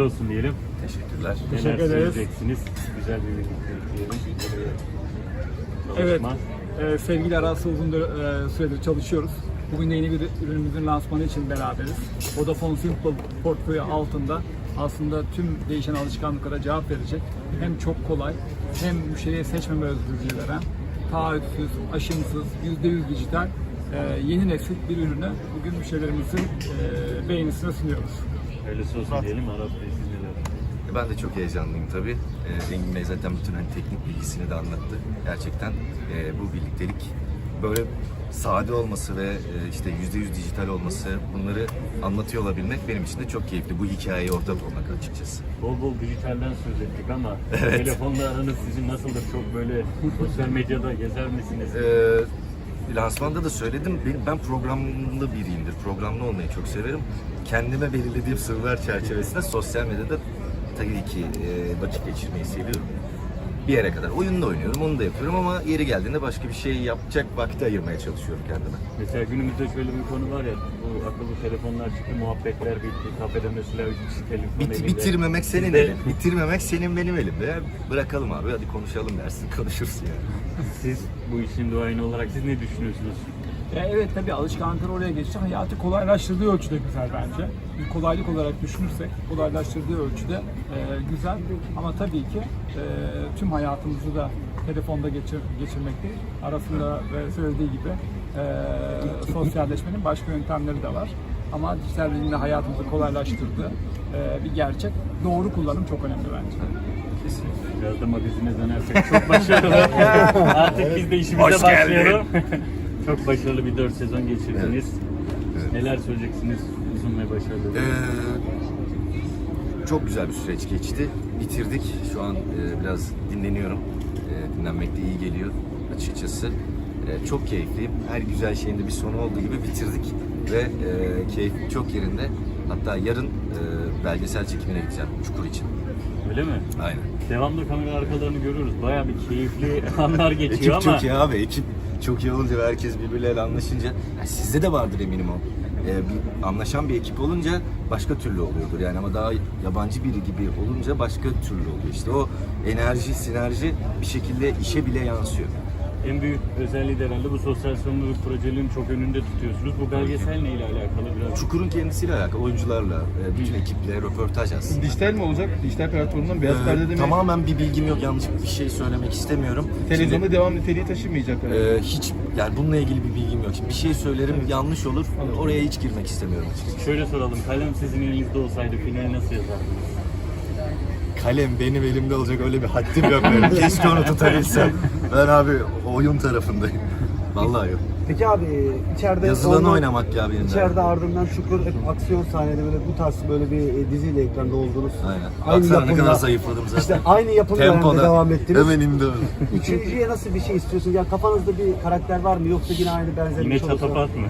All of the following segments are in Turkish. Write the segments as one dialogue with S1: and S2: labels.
S1: olsun diyelim.
S2: Teşekkürler.
S3: Teşekkür
S1: Neler
S3: ederiz.
S1: söyleyeceksiniz? Güzel bir birliktelik diyelim.
S3: Evet,
S1: Çalışma.
S3: sevgili Aras'la uzun süredir çalışıyoruz. Bugün de yeni bir ürünümüzün lansmanı için beraberiz. Vodafone Simple portföyü altında aslında tüm değişen alışkanlıklara cevap verecek, hem çok kolay hem müşteriye seçmeme özgürlüğü veren, taahhütsüz, aşımsız, %100 dijital yeni nesil bir ürünü bugün müşterilerimizin beğenisine sunuyoruz.
S1: Hayırlısı olsun diyelim. Arap Bey siz neler?
S2: Ben de çok heyecanlıyım tabii. Engin Bey zaten bütün teknik bilgisini de anlattı. Gerçekten bu birliktelik böyle sade olması ve işte %100 dijital olması, bunları anlatıyor olabilmek benim için de çok keyifli. Bu hikayeyi ortak olmak açıkçası.
S1: Bol bol dijitalden söz ettik ama
S2: Evet.
S1: telefonla aranız sizin nasıldır? Çok böyle sosyal medyada gezer misiniz?
S2: Lansmanda da söyledim, ben programlı biriyimdir. Programlı olmayı çok severim. Kendime belirlediğim sınırlar çerçevesinde sosyal medyada tabii ki vakit geçirmeyi seviyorum. Bir yere kadar. Oyun da oynuyorum, onu da yapıyorum ama yeri geldiğinde başka bir şey yapacak vakti ayırmaya çalışıyorum kendime.
S1: Mesela günümüzde şöyle bir konu var ya, bu akıllı telefonlar çıktı, muhabbetler bitti, kafede mesela 3 kişi telefon elinde.
S2: Bitirmemek senin
S1: Sizde-
S2: elin, bitirmemek senin benim elimde. Ya bırakalım abi, hadi konuşalım dersin, konuşursun yani.
S1: Siz bu işin duayeni olarak siz ne düşünüyorsunuz?
S3: Evet, tabii alışkanlıklar oraya geçti. Hayatı kolaylaştırdığı ölçüde güzel bence. Bir kolaylık olarak düşünürsek kolaylaştırdığı ölçüde güzel. Ama tabii ki tüm hayatımızı da telefonda geçirmek değil. Arasında ve söylediği gibi sosyalleşmenin başka yöntemleri de var. Ama dijital bilimle hayatımızı kolaylaştırdığı bir gerçek. Doğru kullanım çok önemli bence.
S1: Biraz da magazine dönersek çok başarılı. Artık biz de işimize
S2: Hoş geldin.
S1: başlayalım. Çok başarılı bir 4 sezon geçirdiniz.
S2: Evet.
S1: Neler söyleyeceksiniz uzun ve başarılı?
S2: Çok güzel bir süreç geçti. Bitirdik. Şu an biraz dinleniyorum. Dinlenmek de iyi geliyor açıkçası. Çok keyifliyim. Her güzel şeyin de bir sonu olduğu gibi bitirdik. Ve keyfim çok yerinde. Hatta yarın belgesel çekimine gideceğim Çukur için.
S1: Öyle mi?
S2: Aynen.
S1: Devamlı kamera arkalarını görüyoruz. Bayağı bir keyifli anlar geçiyor
S2: Ekip
S1: ama
S2: çok iyi abi. Ekip çok iyi olunca ve herkes birbirleriyle anlaşınca, yani sizde de vardır eminim o. Bir anlaşan bir ekip olunca başka türlü oluyordur yani, ama daha yabancı biri gibi olunca başka türlü oluyor. İşte o enerji, sinerji bir şekilde işe bile yansıyor.
S1: en büyük özelliği de herhalde bu sosyal sorumluluk projelerini çok önünde tutuyorsunuz. Bu belgesel neyle alakalı biraz?
S2: Çukur'un kendisiyle alakalı, oyuncularla, bütün ekiple röportaj aslında.
S4: Dijital mi olacak? Dijital platformundan beyaz perdede mi?
S2: Tamamen bir bilgim yok, yanlış bir şey söylemek istemiyorum.
S4: Televizyonda
S2: Şimdi,
S4: devam niteliği taşımayacak herhalde.
S2: hiç yani bununla ilgili bir bilgim yok. Şimdi bir şey söylerim, yanlış olur. Oraya hiç girmek istemiyorum açıkçası.
S1: Şöyle soralım, kalem sizin elinizde olsaydı finali nasıl yazardınız?
S2: Kalem benim elimde olacak, öyle bir haddim yok benim. Keşke onu tutabilsem. Ben abi oyun tarafındayım. Vallahi yok.
S5: Peki abi içeride
S2: Yazılanı oynamak ya benim.
S5: İçeride ardından Çukur aksiyon sahnede böyle bu tarz böyle bir diziyle ekranda oldunuz.
S2: Aynen.
S5: Aynı
S2: Baksana ne
S5: yapımda-
S2: kadar zayıfladım zaten.
S5: İşte aynı yapım döneminde devam ettiniz.
S2: Hemen indi öyle.
S5: Üçüncüye nasıl bir şey istiyorsunuz? Ya kafanızda bir karakter var mı yoksa yine aynı benzer
S1: Yine
S5: bir şey olursa?
S1: çatapat mı?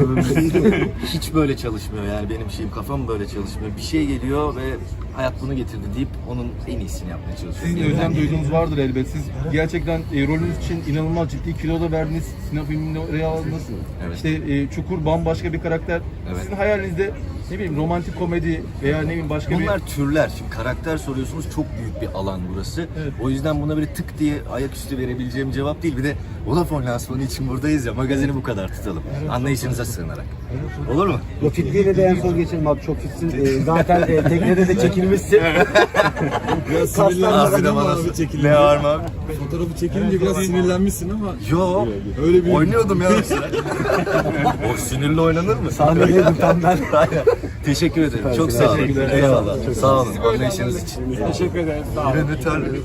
S2: Hiç böyle çalışmıyor yani, benim şeyim, kafam böyle çalışmıyor. Bir şey geliyor ve hayat bunu getirdi deyip onun en iyisini yapmaya çalışıyorum.
S4: Sizin de özlem duyduğunuz vardır elbet. Siz gerçekten rolünüz için inanılmaz ciddi kilo da verdiniz. Sinema filminde oraya aldınız.
S2: Evet.
S4: İşte Çukur bambaşka bir karakter.
S2: Evet.
S4: Sizin hayalinizde ne bileyim romantik komedi veya ne bileyim başka
S2: Bunlar türler. Şimdi karakter soruyorsunuz, çok büyük bir alan burası.
S4: Evet.
S2: O yüzden buna böyle tık diye ayaküstü verebileceğim cevap değil. Bir de Vodafone lansmanı için buradayız ya, magazini bu kadar tutalım. Anlayışınıza sığınarak. Olur mu?
S5: O fitliğiyle de en son geçelim abi, çok fitsin. Zaten teknede de çekilmişsin.
S6: Biraz
S5: Kaslar
S6: sinirlenmişsin
S2: Abi de
S6: ama
S2: bana
S6: abi çekilince.
S2: ne var mı abi?
S6: Fotoğrafı çekilince biraz sinirlenmişsin ama.
S2: Yo,
S6: Öyle bir
S2: oynuyordum ya mesela. O sinirli oynanır mı?
S5: Sahnedeydim tam ben.
S2: Aynen. Teşekkür ederim. Çok sağ olun.
S4: Teşekkürler.
S2: Eyvallah. Sağ olun. Anlayışınız için.
S3: Teşekkür ederiz. Sağ olun.
S2: Yine de terledim.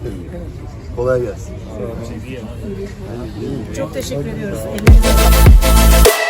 S2: Kolay gelsin.
S7: Çok teşekkür ediyoruz. Elinize sağlık.